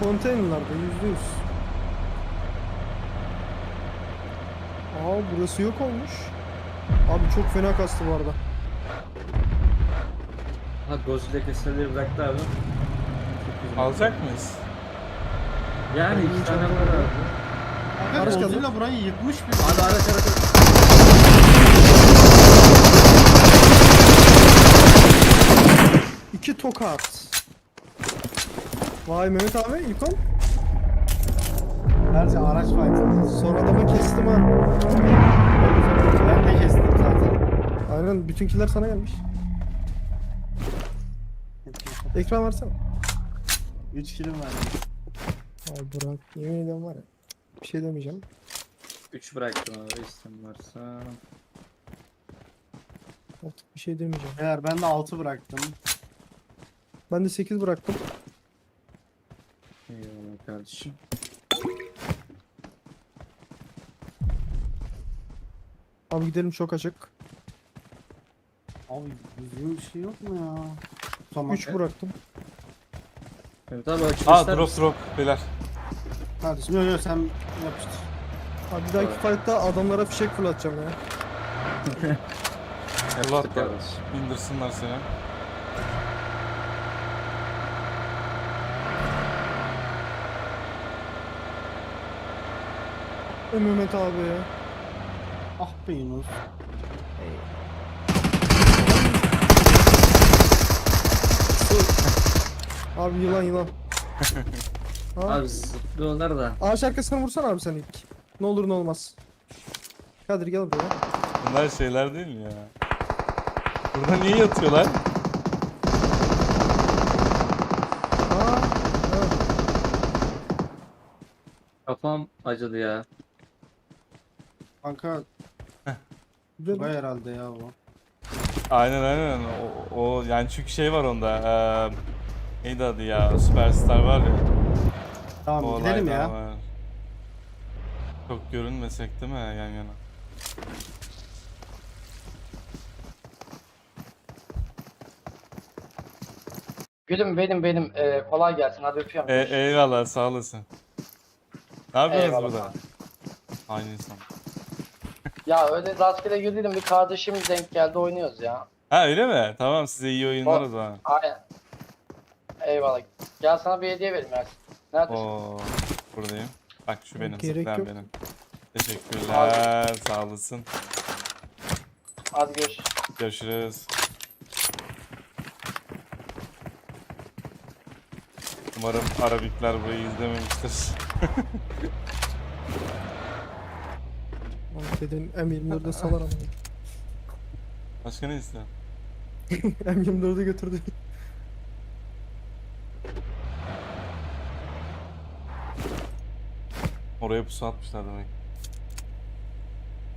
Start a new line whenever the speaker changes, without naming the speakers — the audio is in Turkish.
konteynerlarda %100. Aa burası yok olmuş. Abi çok fena kastı bu arada.
Ha Godzilla keseleri bıraktı abi. Çok güzel.
Alacak mıyız?
Yani
Ben
iki
hiç
tane var
anlamadım.
abi.
Abi
Araç geldi.
Godzilla burayı yıkmış bir.
Abi araç.
İki tokat. Vay Mehmet abi ilk on.
Gerçi araç fight'ı.
Son adamı kestim ha.
Ben de kestim zaten.
Aynen bütünkiler sana gelmiş. Ekran versene.
3 kilim var.
Ay Burak yemin ediyorum var ya. Bir şey demeyeceğim.
3 bıraktım abi istem varsa.
Artık bir şey demeyeceğim.
Eğer ben de 6 bıraktım.
Ben de 8 bıraktım.
Eyvallah kardeşim.
Abi gidelim çok açık.
Abi düzgün bir şey yok mu ya? Tamam.
3 bıraktım.
Evet abi açılışlar.
Drop beyler.
Kardeşim yok yok sen yapıştır.
Abi bir dahaki fight'ta adamlara fişek fırlatacağım ya.
Allah da
kardeşim.
indirsinler seni.
Mehmet abi ya.
Ah be Yunus.
Abi yılan yılan. Ha?
Abi zıplıyorlar da.
Ağaç arkasına vursana abi sen ilk. Ne olur ne olmaz. Kadir gel buraya.
Bunlar şeyler değil mi ya? Burada niye yatıyorlar?
Aa, evet.
Kafam acıdı ya.
Kanka
Güzel.
Tugay herhalde ya bu.
Aynen. O yani çünkü şey var onda. Neydi adı ya? Superstar var ya.
Tamam
O
gidelim
olaydan
ya.
var. Çok görünmesek değil mi yan yana?
Gülüm benim kolay gelsin hadi öpüyorum.
Eyvallah sağ olasın. Ne yapıyorsunuz
Eyvallah.
burada? Aynı insan.
Ya öyle rastgele girdim bir kardeşim denk geldi oynuyoruz ya.
Ha öyle mi? Tamam size iyi oyunlar o zaman.
Aynen. Eyvallah. Gel sana bir hediye vereyim Ersin. Neredesin?
Oo, buradayım. Bak şu benim,
Gerek
zıplayan
yok.
benim. Teşekkürler, sağ olasın.
Hadi görüşürüz.
Görüşürüz. Umarım Arabikler burayı izlememiştir.
Abi dedim M24'de salar ama.
Başka ne istiyorsun?
M24'ü götürdü.
Oraya pusu atmışlar demek.